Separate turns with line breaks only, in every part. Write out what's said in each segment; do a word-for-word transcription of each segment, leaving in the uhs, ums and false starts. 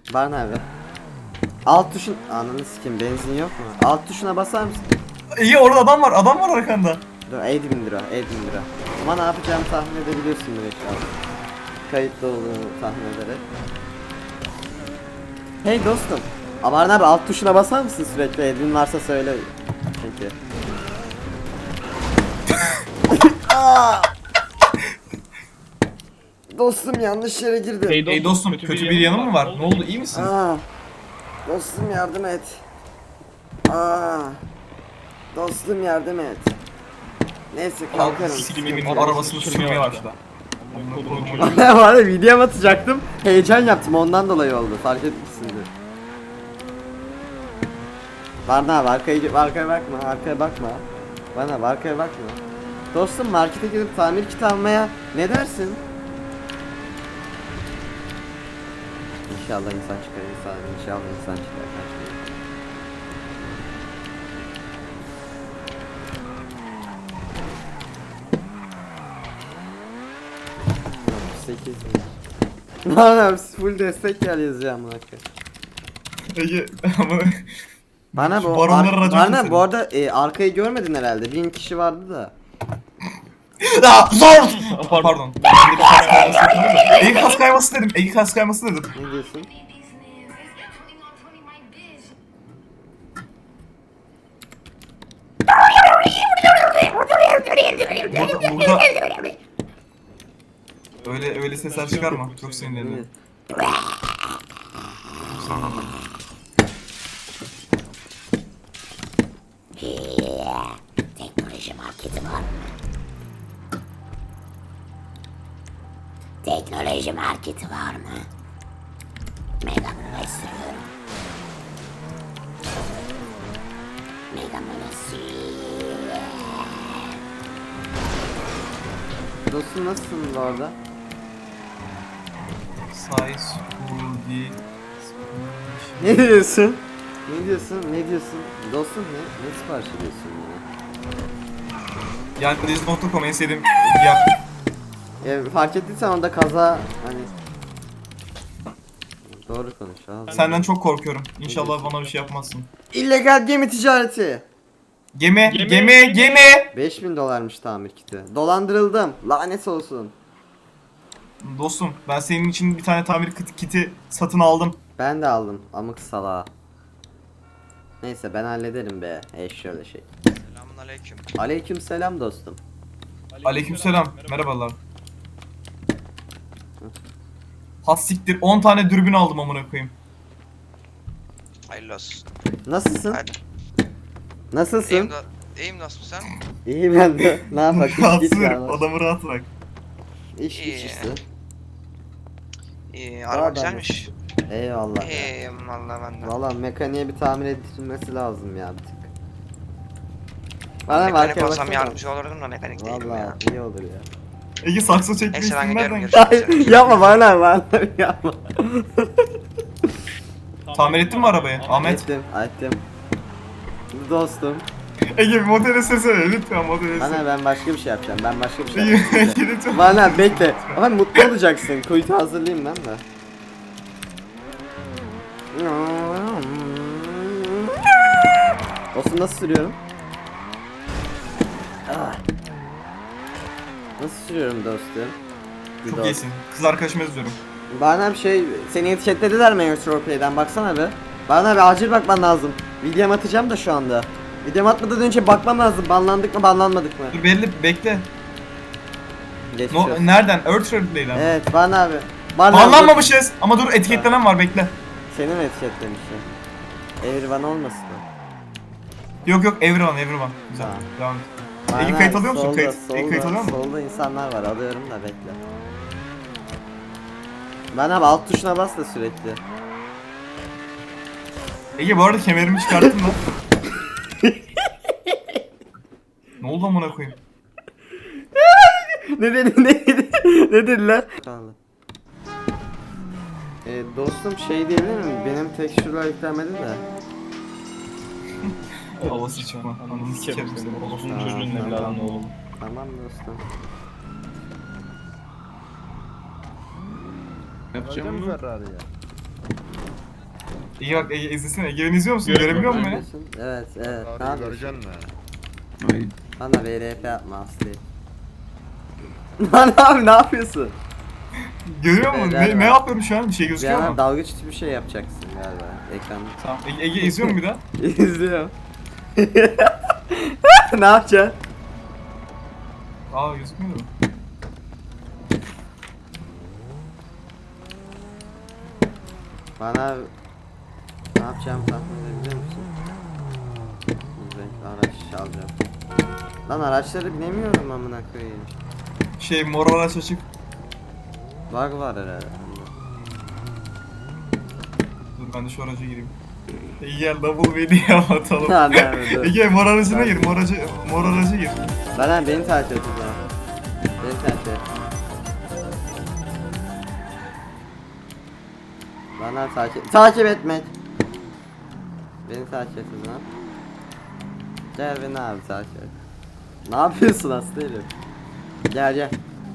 Var ne abi? Alt tuşun... Ananı sikeyim, benzin yok mu? Alt tuşuna basar mısın?
İyi, orada adam var, adam var arkanda.
Dur, elli bin lira, elli bin lira. Ama ne yapacağımı tahmin edebiliyorsun direkt şu an. Kayıtlı olduğunu tahmin ederek. Hey dostum. Aman abi, alt tuşuna basar mısın sürekli? Elin varsa söyle. Çünkü. Dostum yanlış yere girdim.
Hey
Ey dostum, kötü, kötü bir yanın mı var? Ne oldu, iyi misin?
Aa, dostum yardım et. Aa, dostum yardım et. Neyse kalkarım.
Sikimimin arabasını sürmeye başladı.
Var ya, video atacaktım. Heyecan yaptım, ondan dolayı oldu. Fark etmişsindir. Bana abi, arkaya, arkaya bakma, arkaya bakma. Bana arkaya bakma. Dostum, markete gidip tamir kiti almaya ne dersin? İnşallah insan çıkar, insan, inşallah insan çıkar. sekiz bin. Bana full destek gel yazacağım buna.
Ege ama...
Bana bu
Baronlar
ar-
racon
bana
keselim.
bu arada e, arkayı görmedin herhalde. Bin kişi vardı da.
Aa, zor! Pardon. Ege kas kayması dedim, Ege kas kayması dedim.
Ne diyorsun?
Burada, burada... Öyle öyle sesler çıkarma, çok sinirlendim.
Teknoloji marketi var mı? Teknoloji marketi var mı? Megaman'a sürüyorum. Megaman'a sürüyorum.
Dostum nasılsın bu arada?
Size, Woody...
Ne diyorsun? Ne diyorsun? Ne diyorsun? Dostum ne? Ne sipariş ediyorsun ya?
Yani Deniz nokta com en sevdiğim yer.
E, fark ettiysen onda kaza hani... Doğru konuş abi.
Senden çok korkuyorum. İnşallah bana bir şey yapmazsın.
İllegal gemi ticareti.
Gemi,
Gemi,
gemi, gemi.
beş bin dolarmış tamir kiti. Dolandırıldım. Lanet olsun.
Dostum, ben senin için bir tane tamir kit- kiti satın aldım.
Ben de aldım. Amık salağa. Neyse ben hallederim be. Ey şöyle şey.
Selamünaleyküm.
Aleyküm selam dostum.
Aleykümselam. Merhabalar. Has siktir, on tane dürbün aldım amına koyayım.
Hayırlı olsun.
Nasılsın?
Hadi.
Nasılsın?
İyiyim, da, iyiyim nasıl sen?
İyi ben de. Ne yapak? İş
Rahatsız
güç
ederim,
ya.
adamı rahat bırak.
İş güç
İyi.
işte.
İyi,
Daha
araba
ben
güzelmiş.
Eyvallah ya.
İyiyim valla ben de.
Valla mekaniğe bir tamir edilmesi lazım ya bir tık. Bana
Mekanik
markaya
olsam
baksana.
yardımcı olurdum da mekanik değilim
Valla
ya.
iyi olur ya.
Ege sakso çekme
Neyse ben
isim
gidiyorum,
nereden?
görüşürüz.
Ay, yapma bana bana yapma.
Tamir ettin mi arabayı? Ahmet.
Ettim, ettim. Dostum.
Ege bir model sesene lütfen model
Bana
sesene.
ben başka bir şey yapacağım. Ben başka bir şey
Ege
yapacağım.
Ege, lütfen.
Bana bekle. Ama mutlu olacaksın. Kuytu hazırlayayım ben de. Dostum nasıl sürüyorum? Ah. Nasıl sürüyorum dostum? Bir
Çok
dost.
iyisin. Kız arkadaşımı yazıyorum.
Bana bir şey, seni etiketlediler mi Roleplay'den, baksana be. Bana bir acil bakman lazım. Videom atacağım da şu anda. Videom atmadan önce bakmam lazım. Banlandık mı banlanmadık mı?
Dur belli bekle.
Geçmiş
No,
olsun.
nereden? Earth Replay'den.
Evet bana abi. Bana
Banlanmamışız ama dur etiketlenen var bekle.
Seni mi etiketlemişler? Everyone olmasın mı?
Yok yok everyone everyone. Güzel.
Tamam.
Devam et.
Bana
Ege kayıt alıyor musun?
solda,
Kayıt.
Solda,
Ege kayıt alıyor musun?
solda insanlar var, alıyorum da bekle. Ben abi alt tuşuna bas da sürekli.
Ege bu arada kemerimi çıkarttın lan. Ne oldu amına koyayım?
Ne dedi ne dedi ne dediler? E, dostum şey diyebilir miyim? Benim tekstürler yüklenmedi de.
Havası çıkma. Ananı sikerim seni.
Orospu'nun
Tamam,
çocuğun
tamam.
evladın oğlum.
Tamam dostum.
Yapacağım mı?
Ege bak Ege izlesene. Ege beni izliyor musun? Görebiliyor musun beni?
Neredesin? Evet evet. Ne
Abi
yapıyorsun?
göreceksin mi?
Ay,
Bana V R P yapma Aslı. Lan abi ne yapıyorsun?
Görüyor musun?
Beyler
Ne,
var.
ne yapıyorum şu an? Bir şey
Bir
gözüküyor
yana
mu?
dalgıç bir şey yapacaksın galiba ekranda.
Tamam. Ege, Ege izliyor mu bir daha?
İzliyorum. Ne yapacaksın?
Aa gözükmüyor mu?
Bana ne yapacağım tahmin edebiliyor musun? Renkli araç alacağım. Lan araçları binemiyorum amına koyayım.
Şey mor araç açık.
Bug var herhalde.
Dur ben de şu araca gireyim. Ege gel double V'ni atalım.
Ha, evet, evet.
Ege mor aracına gir. Mor aracı, mor araca gir.
Bana beni takip et o zaman. Beni takip et. Bana takip takip etmek. Beni takip et o zaman. Gel beni abi takip et. Ne yapıyorsun aslanım? Gel gel.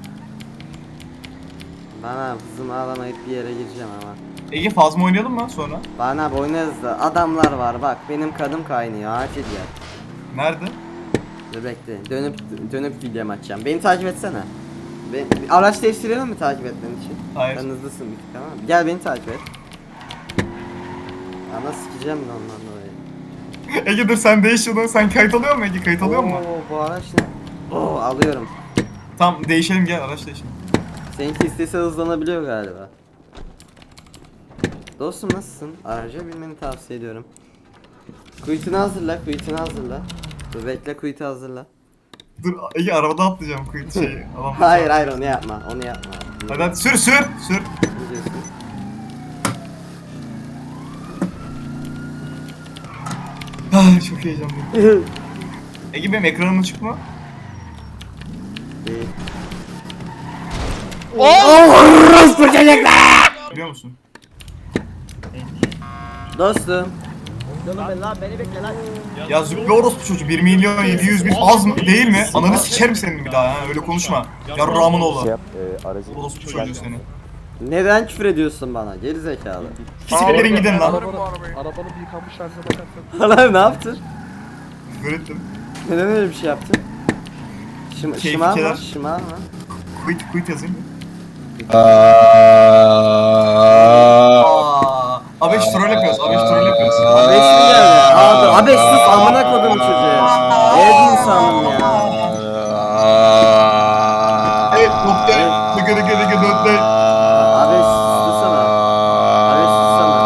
Bana hızımı alamayıp bir yere gireceğim ama.
Ege fazla oynayalım mı sonra?
Bana abi oynarız da adamlar var bak benim kanım kaynıyor acil gel.
Nerede?
Dur bekle dönüp dönüp video açacağım. Beni takip etsene. Ben, araç değiştirelim mi takip etmen için?
Hayır.
Sen hızlısın bir tık tamam mı? Gel beni takip et. Ama sikeceğim de ondan dolayı.
Ege dur sen değiş şunu. Sen kayıt alıyor musun Ege? Kayıt alıyor musun?
Oo, bu araç ne? Oo alıyorum.
Tamam değişelim gel araç değişelim.
Seninki istese hızlanabiliyor galiba. Dostum nasılsın? Araca binmeni tavsiye ediyorum. Kuytunu hazırla, kuytunu hazırla. Dur bekle kuytu hazırla.
Dur Ege arabada atlayacağım kayıt şeyi. Alamam.
Hayır hayır onu yapma, onu yapma.
Hadi hadi sür sür sür.
Ne diyorsun?
Ah, çok heyecanlıyım. Ege benim ekranım açık mı?
Değil.
Biliyor musun?
Dostum.
Ya züppe orospu çocuğu bir milyon yedi yüz bin az mı değil mi? Ananı sikerim senin bir daha ha öyle konuşma. Yarrağımın oğlu. Orospu çocuğu seni.
Neden küfür ediyorsun bana? Geri zekalı.
Siktirin gidin lan.
Arabanın bir yıkanmış haline bakarsan.
Lan ne yaptın?
Öğrettim.
Neden öyle bir şey yaptın? Şım
Keyfi
şımarma,
keder.
şımarma.
Quit quit yazayım mı?
Aa,
Aa, Abeş troll yapıyoruz. Abeş troll yapıyoruz.
Abeş mi geldi? Aa dur, Abeş sus amına koydum çocuğu. Evet insanım ya.
Evet nokta. Dıgı dıgı dıgı dönde.
Abeş susana. Abeş susana.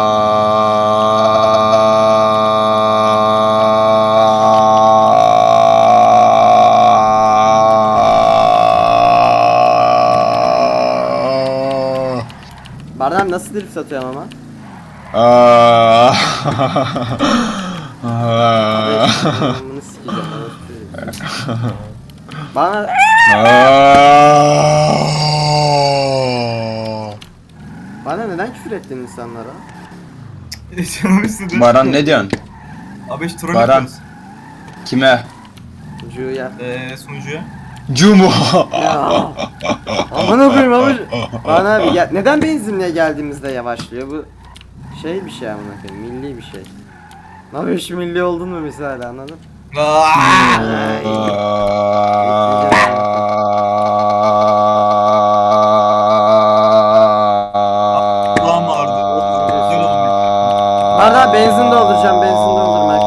Bardağım nasıl drift atıyorum ama? Abeş bunu sikeceğim. Abeş böyle. Bana bana neden küfür ettin insanlara?
Canım istedi.
Baran ne diyorsun?
Abeş troll
Baran.
yapıyoruz.
Kime?
Cuya.
Eee sunucuya.
Cumu.
Ya. Aman koyayım ama bana abi ya, neden benzinliğe geldiğimizde yavaşlıyor bu şey bir şey amına koyayım milli bir şey. Abi şu milli oldun mu misal anladın?
Aaaa. Kulağım ağrıdı. Güzel oldu.
Bardağı benzin dolduracağım benzin doldurmak.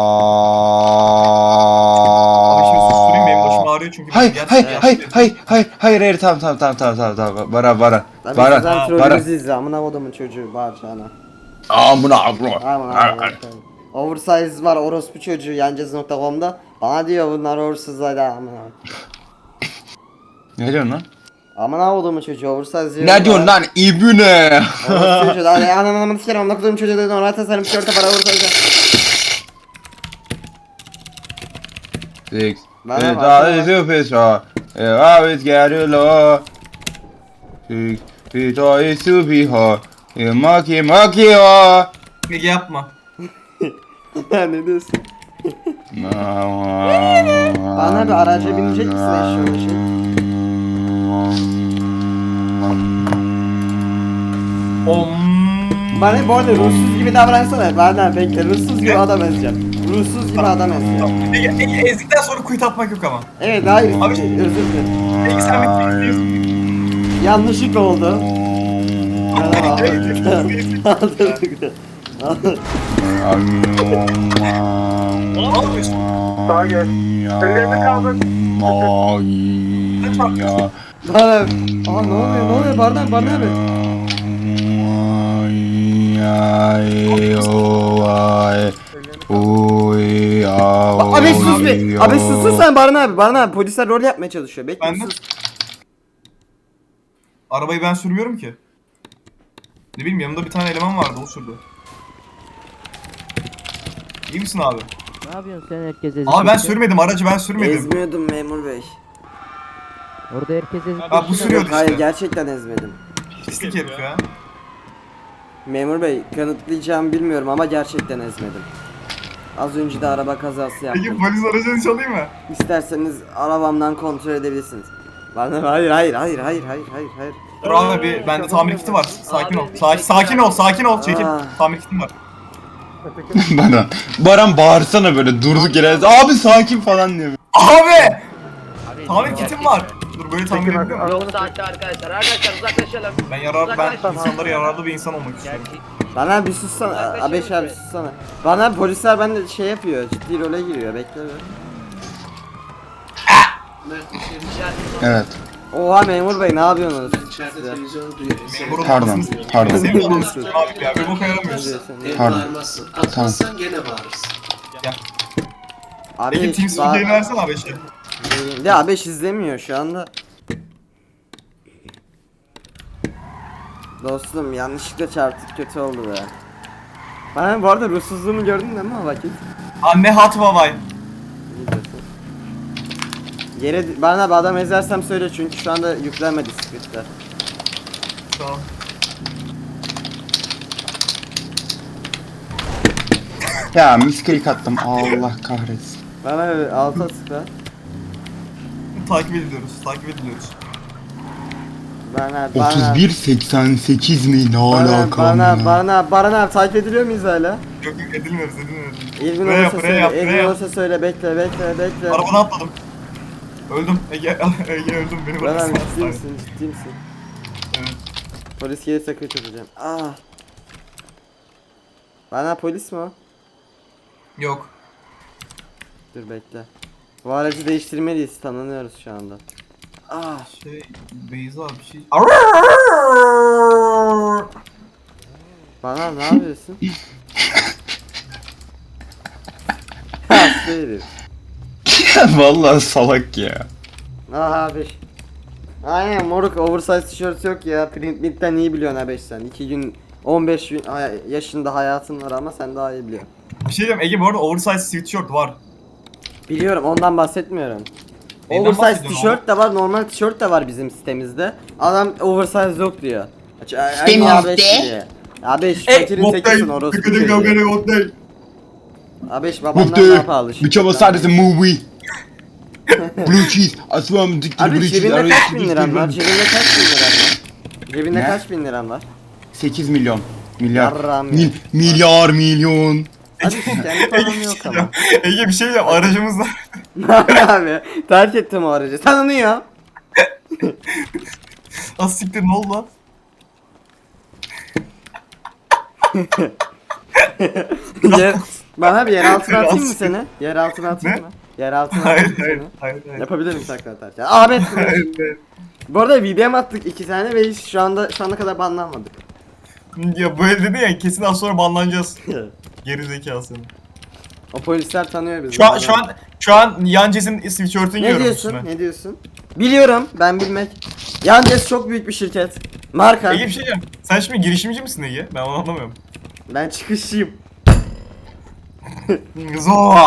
Abi şimdi susturayım benim başım ağrıyor çünkü.
Hayır,
gerçekten
hayır, hayır,
gerçekten-
hayır, hayır, hayır, hayır, tamam, tamam, tamam, tamam, tamam, tamam, Baran, Baran,
Abi
Baran,
sizden
Baran.
trollümüzü izle amına kodumun çocuğu bağıracağına.
Amına, amına.
Aman aman. Oversize var orospu çocuğu yancaz nokta com'da. Bana diyor bunlar oversize'lar amına.
Ne diyorsun lan?
Amına kodumun çocuğu oversize diyor.
Ne diyorsun lan ibne?
Orospu çocuğu hadi ananı ananı sikerim amına kodumun çocuğu dedi ona tasarım tişörte para oversize.
Six.
Bana
It's
bak,
all
bana
is super strong. It always get you low. Six. It's all is super hard. You monkey, monkey, oh.
Ege yapma.
ne diyorsun?
Bana
Bana bir araca binecek misin eşyalı şey?
Om.
Bana bu arada ruhsuz gibi davransana. Bana bekle ruhsuz gibi adam ezeceğim. Ruhsuz gibi adam ezeceğim.
Ege, Ege ezdikten sonra kuyut atmak yok ama.
Evet hayır.
Abi-
özür dilerim.
Ege sen bir
Yanlışlık oldu.
Ne yapıyorsun?
Sağa gel. Ellerini kaldır.
Bana aa ne oluyor ne oluyor Bardan Bardan abi. Ba- Abi sus bir. Abi sus sus sen Bardan abi. Bardan abi polisler rol yapmaya çalışıyor. Bekle
Ben de-
sus.
Arabayı ben sürmüyorum ki. Ne bileyim yanımda bir tane eleman vardı o sürdü. İyi misin abi?
Ne yapıyorsun sen herkes ezip
Abi ben
geçiyor.
sürmedim aracı ben sürmedim.
Ezmiyordum memur bey.
Orada herkes ezip
Ha, bu
geçiyor.
sürüyordu
Hayır
işte.
gerçekten ezmedim.
Pislik herif ya.
Memur bey kanıtlayacağımı bilmiyorum ama gerçekten ezmedim. Az önce de araba kazası
Peki
yaptım.
polis aracını çalayım mı?
İsterseniz arabamdan kontrol edebilirsiniz. Bana hayır hayır hayır hayır hayır hayır hayır.
Dur abi bir bende tamir kiti var. Sakin ol. Sakin, sakin ol, sakin ol. Çekil.
Aa.
Tamir kitim var.
Baran. Baran bağırsana böyle durduk yere. Abi sakin falan diyor.
Abi! Tamir kitim var. Dur böyle tamir
Çekin
edeyim mi?
arabanı.
Saatte arkadaşlar. Arkadaşlar uzaklaşalım.
Ben yarar ben
Uzaklaş.
insanlara yararlı bir insan olmak istiyorum.
Bana bir sussana. Abeş abi sussana. Bana polisler bende şey yapıyor. Ciddi role giriyor. Bekle bir.
Evet.
Oha memur bey ne yapıyorsunuz?
İçeride televizyonu duyuyor. Sen
Burun
Pardon,
kafasını-
pardon.
Senin de anasını abi ya. Bir boka yaramıyorsun.
Ev
Pardon.
bağırmazsın. Atmazsan gene bağırırsın.
Abi
Peki Team
hiç daha...
Speak'ini versene abi şey.
Ya Abeş izlemiyor şu anda. Dostum yanlışlıkla çarptık kötü oldu be. Bana bu arada ruhsuzluğumu gördün değil mi o vakit?
Anne hat babay.
İyi diyorsun. Yere bana bir adam ezersem söyle çünkü şu anda yüklenmedi scriptler.
Tamam.
Ya misklik attım. Allah kahretsin.
Bana bir alta tıkla.
Takip ediliyoruz. Takip ediliyoruz.
Bana bana
otuz bir seksen sekiz mi? Ne
bana
alaka?
bana
amına?
bana bana abi takip ediliyor muyuz hala?
Yok yok edilmiyoruz edilmiyoruz.
İlgin
Buraya yap,
olursa
buraya
söyle,
yap,
ilgin
buraya yap.
olursa söyle bekle bekle bekle.
Arabadan atladım. Öldüm. Ege, Ege öldüm. Beni
Bana
bıraksana
ciddi
hastaneye.
misin ciddi misin?
Evet.
Polis gelirse kaçıracağım. Ah. Bana polis mi o?
Yok.
Dur bekle. Bu aracı değiştirmeliyiz tanınıyoruz şu anda. Ah.
Şey, Beyza bir şey...
Bana ne yapıyorsun? Hasta herif.
Vallahi salak ya.
Ah abi. Aynen moruk oversize tişört yok ya. Print mid'den iyi biliyorsun abi sen. iki gün on beş gün hay- yaşında hayatın var ama sen daha iyi biliyorsun.
Bir şey diyeyim Ege bu arada oversize sweatshirt var.
Biliyorum ondan bahsetmiyorum.
Neyden
Oversize
bahsediyorsun
tişört de var, normal tişört de var bizim sitemizde. Adam oversize yok diyor. Aç- Aynı
Sitemizde?
A beş diyor. A beş fakirin tekisin orospu çocuğu. A beş babandan
Mutlu.
daha pahalı şimdi.
Bıçama sadece movie. Blue cheese. Asmam diktir
Abi
blue cheese.
cebinde
araya
kaç bin liran var? Cebinde kaç bin liran var? Cebinde
Ne?
kaç bin liran var?
sekiz milyon. Milyar.
Yarram ya.
Mil, milyar milyon.
Hadi kendi param yok ama.
Ege bir şey yap aracımızda.
Abi terk ettim o aracı. Tanınıyor.
Az siktir ne oldu lan?
Yer, bana bir yer altına atayım mı seni? Yer altına atayım
Ne?
mı? Yer altına atayım
Hayır
mı
hayır
seni?
hayır hayır.
Yapabilirim sakla atarken. Ahmet.
Hayır, hayır.
Bu arada V D M attık iki tane ve hiç şu anda şu ana kadar banlanmadık.
Ya böyle dedi ya kesin az sonra banlanacağız. Geri zekası.
O polisler tanıyor bizi.
Şu an şu an şu an Yances'in sweatshirt'ünü
Ne
giyiyorum
diyorsun?
üstüme.
Ne diyorsun? Biliyorum ben bilmek. Yandex çok büyük bir şirket. Marka.
Ege bir şey diyeceğim. Sen şimdi girişimci misin Ege? Ben onu anlamıyorum.
Ben çıkışçıyım.
Zor.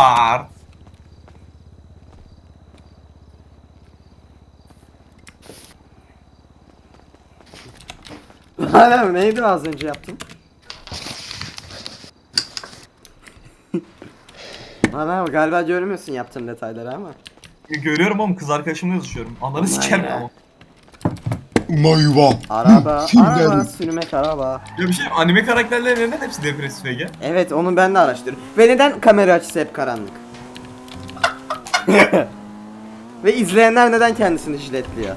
Hala neydi az önce yaptım? Bana galiba görmüyorsun yaptığım detayları ama.
Görüyorum oğlum kız arkadaşımla yazışıyorum. Ananı sikerim
ya.
ama.
Mayva.
Araba,
Sinirlendim.
araba, sürmek araba.
Ya bir şey anime karakterleri neden hepsi depresif Ege?
Evet, onu ben de araştırdım. Ve neden kamera açısı hep karanlık? Ve izleyenler neden kendisini jiletliyor?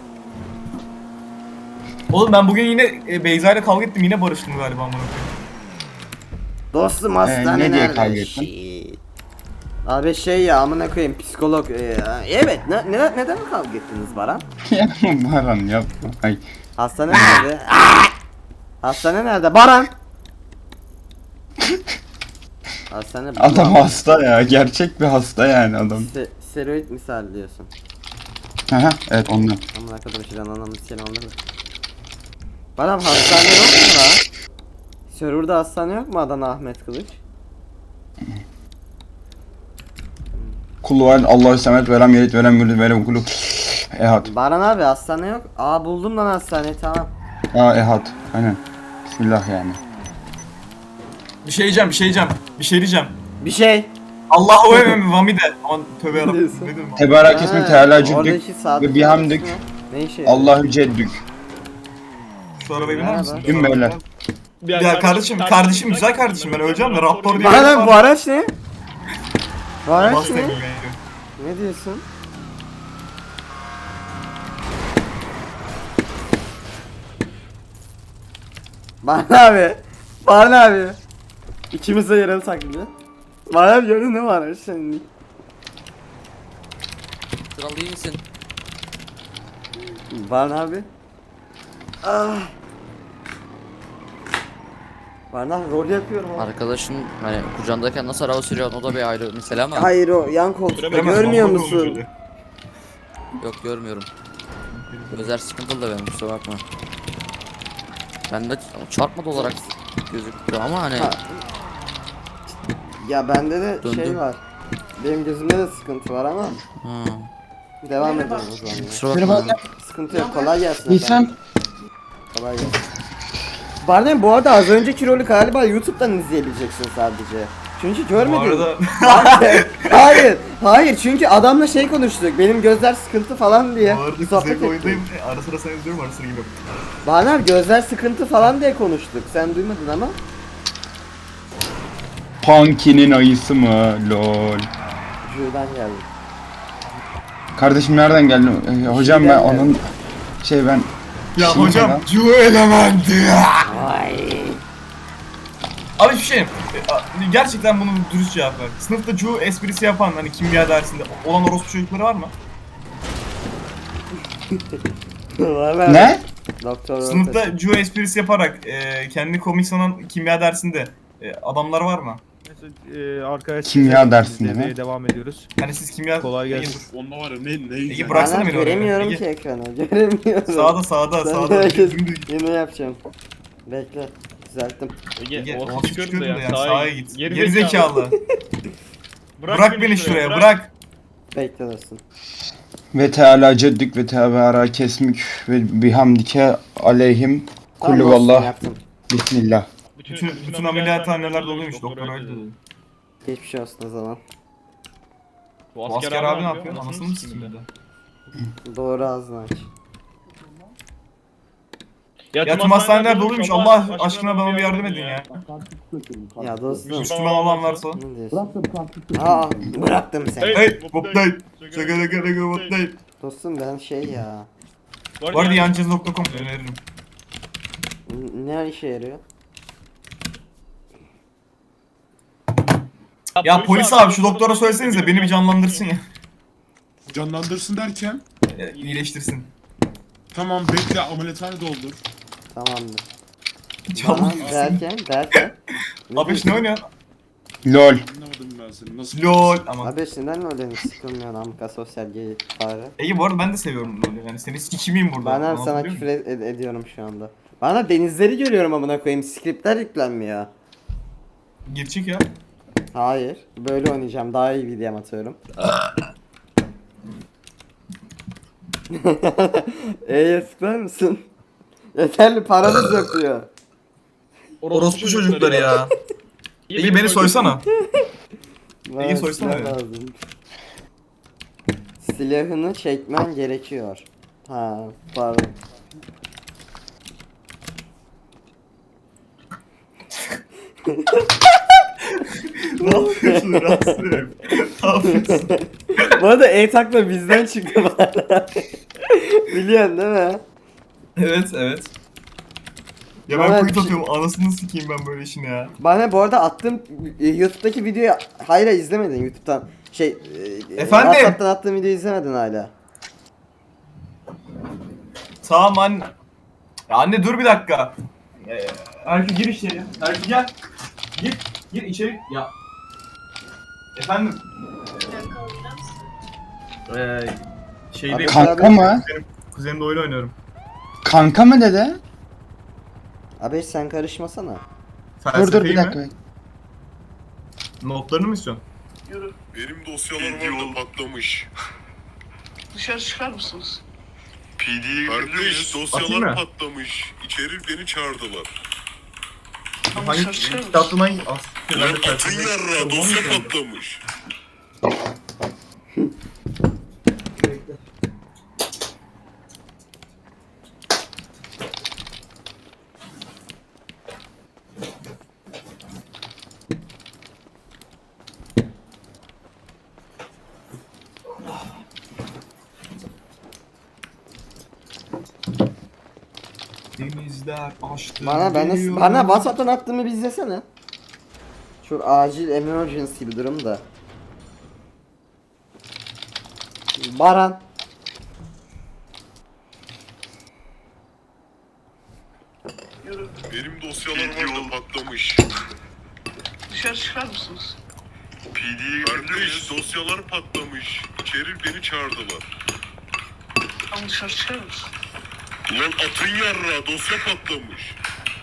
Oğlum ben bugün yine e, Beyza ile kavga ettim yine barıştım galiba amına koyayım.
Dostum
Ee,
hastane
ne diye
nerede?
kavga ettin?
Shit. Abi şey ya amına koyayım psikolog. Ee, evet ne, ne, neden kavga ettiniz Baran?
Yapma Baran yapma. Ay.
Hastane nerede? Hastane nerede? Baran! Hastane
Adam hasta ya. Gerçek bir hasta yani adam.
Se steroid misal diyorsun.
Aha, evet ondan.
Amına kadar şeyden anlamı seni anladın. Baran hastane yok mu lan? Server'da hastane yok mu Adana Ahmet Kılıç?
Kulu var Allahü semet verem yerit verem gülü verem kulu. Ehad.
Baran abi hastane yok. Aa buldum lan hastaneyi tamam.
Aa ehad. Aynen. Bismillah yani.
Bir şey diyeceğim bir şey diyeceğim. Bir şey diyeceğim.
Bir şey.
Allahu emem vamide. Aman tövbe yarabbim.
diyorsun?
Ne dedim ben?
Tebarak ismi
Ha,
teala cüddük
oradaki saat
ve bihamdük.
Ne işe yarıyor?
Allahü ceddük.
Şu arabayı biner misin?
Merhaba.
Gün beyler.
Ya kardeşim kardeşim güzel kardeşim ben öleceğim de raptor diye.
Baran abi bu araç ne? Bu araç
Bastım
ne?
yani.
Ne diyorsun? Baran abi. Baran abi. İkimiz de yaralı taklidi. Baran abi gördün ne var senin?
Kral iyi misin?
Baran abi. Ah. Baran abi rol yapıyorum abi.
Arkadaşın hani kucağındayken nasıl araba sürüyor o da bir ayrı mesele ama.
Hayır o yan koltukta
Bilemez,
görmüyor
raptor
musun?
olmuş öyle.
Yok görmüyorum. Özer sıkıntılı da benim kusura bakma. Bende çarpmadı olarak gözüktü ama hani
Ha. Ya bende de şey
Döndüm.
var. Benim gözümde de sıkıntı var ama
ha.
devam edelim o zaman. ya.
Kusura bakma.
Sıkıntı yok. Kolay gelsin.
İnsan
efendim. Kolay gelsin. Barney bu arada az önceki rolü galiba YouTube'dan izleyebileceksin sadece. Çünkü
Bu
görmedin.
arada
Hayır, hayır, hayır. Çünkü adamla şey konuştuk. Benim gözler sıkıntı falan diye.
bu arada
Bir sohbet
kuzey
ettik.
oyundayım. E, Ara sıra sen izliyorum ara sıra gibi.
Barney abi gözler sıkıntı falan diye konuştuk. Sen duymadın ama.
Punky'nin ayısı mı? Lol.
Ju'dan geldi.
Kardeşim nereden geldin? Ee, hocam ben
Şeyden
onun şey ben
Ya
Şimdi
hocam
lan.
Cu elementi.
Ay.
Abi bir şey e, a- gerçekten bunu dürüst cevap ver. Sınıfta Cu esprisi yapan hani kimya dersinde olan orospu çocukları var mı?
Var var.
ne?
Doktor
Sınıfta Cu esprisi yaparak e, kendini komik sanan kimya dersinde e, adamlar var mı?
Ee, arkadaşlar
Kimya dersinde
devreye
mi?
devam ediyoruz.
Hani siz kimya...
Kolay
Ege,
gelsin.
dur.
Onda var ya ne ne
Ege bıraksana
Bana
beni oraya.
göremiyorum
Ege,
ki ekranı. Göremiyorum.
Sağda sağda
Ben
sağda.
herkes-
Dümdüz.
Yine yapacağım. Bekle. Düzelttim.
Ege,
orası
orası
çıkıyordu
çıkıyordu
da
ya,
ya,
sağa,
sağa
git.
git.
Geri zekalı. Bırak, beni şuraya, bırak.
Bekle dostum.
Ve teala ceddük ve tebara kesmük ve bihamdike aleyhim
Tamam
kullu
dostum,
vallah
yaptım.
bismillah.
Bütün, bütün ameliyathaneler doluymuş, doktor öyle dedi.
Geçmiş olsun o zaman.
Bu asker abi ne yapıyor? Anasını mı sikeyim bir de?
Doğru ağzını aç.
Ya tüm hastaneler doluymuş, Allah aşkına bana bir yardım edin ya.
Ya dostum.
Müslüman olan varsa.
Ne diyorsun? Aa bıraktım seni.
Hey, Bobday. Şaka şaka şaka Bobday.
Dostum ben şey ya.
Bu arada yancız nokta com öneririm.
n- Ne işe yarıyor?
Ya polis abi şu doktora söylesenize beni bir canlandırsın ya.
Canlandırsın derken
E, İyileştirsin.
tamam bekle ameliyathane doldur.
Tamamdır.
Canlan.
Tamam derken derken.
Abi ne oynuyor?
Lol.
Anlamadım ben seni. Nasıl?
LOL ama.
Abi neden öyle sıkılmıyorsun amka sosyal gay fare?
Ege bu arada ben de seviyorum LOL'ü yani seni sikimiyim burada.
Ben hem sana
Anlatabiliyor
küfür
muyum?
ed- ed- ediyorum şu anda. Bana denizleri görüyorum amına koyayım. Skriptler yüklenmiyor.
Gerçek ya.
Hayır. Böyle oynayacağım. Daha iyi video atıyorum. Eee sıklar mısın? Yeterli paramız yok diyor.
Orospu çocukları ya. Ege beni soysana.
Bana
İyi soysana
silah
ya.
lazım. Silahını çekmen gerekiyor. Ha pardon.
Ne yapıyorsun Rasim? Ne yapıyorsun?
Bu arada E-Takla bizden çıktı bana. Biliyorsun değil mi?
Evet evet. Ya ben
Bana
kuyut
bir şey-
atıyorum anasını sikeyim ben böyle işini ya.
Bana bu arada attığım e, YouTube'daki videoyu hala izlemedin YouTube'dan. Şey, e,
Efendim?
WhatsApp'tan attığım videoyu izlemedin hala.
Tamam anne. Ya anne dur bir dakika. Ee, Erkü gir içeri. Erkü gel. Gir. Gir içeri. Ya. Efendim. Ee, şeyde
Kanka mı?
kuzenimle oyun oynuyorum.
Kanka mı dede?
Abi sen karışmasana.
Dur dur bir
Felsefeyi
dakika.
mi? Notlarını mı istiyorsun?
Benim dosyalarım orada patlamış.
Dışarı çıkar mısınız?
P D'ye Kardeş
Atayım
dosyalar
mı?
patlamış. İçeri beni çağırdılar.
Hani
dışarı çıkar mısın?
kitaplığına git.
Lan atın yarra dosya patlamış.
Denizler açtı.
Bana ben
geliyor.
bana WhatsApp'tan attığımı bir izlesene. Çok acil emergency bir durum da. Baran.
Benim dosyalarım orada patlamış.
Dışarı çıkar mısınız?
P D'ye Kardeş dosyalar patlamış. İçeri beni çağırdılar.
Tamam dışarı çıkar mısın?
Lan atın yarra dosya patlamış.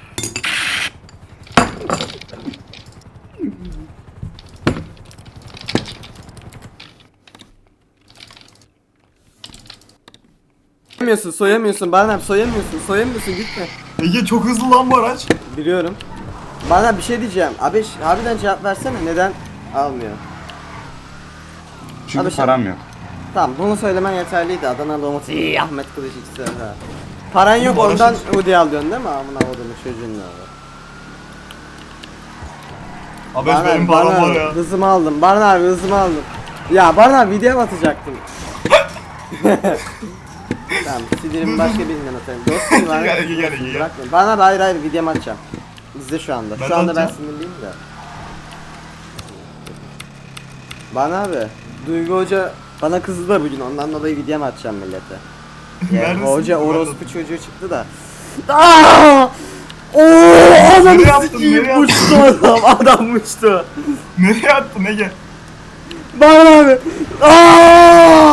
Soyamıyorsun, soyamıyorsun. Bana soyamıyorsun, soyamıyorsun gitme.
Ege çok hızlı lan bu araç.
Biliyorum. Bana bir şey diyeceğim. Abi ş- harbiden cevap versene. Neden almıyor?
Çünkü
Abi sen-
param yok.
Tamam, bunu söylemen yeterliydi. Adana Umut, iyi Ahmet Kılıç ikisi de. Ha. Paran yok
Bu
ondan
araçın-
Udi alıyorsun değil mi? Amına kodumun çocuğun ne olur.
Abi benim param var ya.
hızımı aldım. Barın abi hızımı aldım. Ya Barın abi video mu atacaktım? Tamam, sinirimi başka birinden atayım. Dostum var.
Gel, gel, gel, gel.
Bırakma. Bana abi hayır hayır videomu atacağım. İzle şu anda.
Ben
Şu anda ben
atacağım.
sinirliyim de. Bana abi. Duygu Hoca bana kızdı da bugün ondan dolayı videomu atacağım millete. Yani
Neredesin?
hoca
Ben
orospu
de-
çocuğu çıktı da. Aaaa! Ooo! Adam
Nereye attın,
sikiyim
nereye
uçtu adam. Adam uçtu.
Nereye attın Ege?
Bana abi. Aaaa!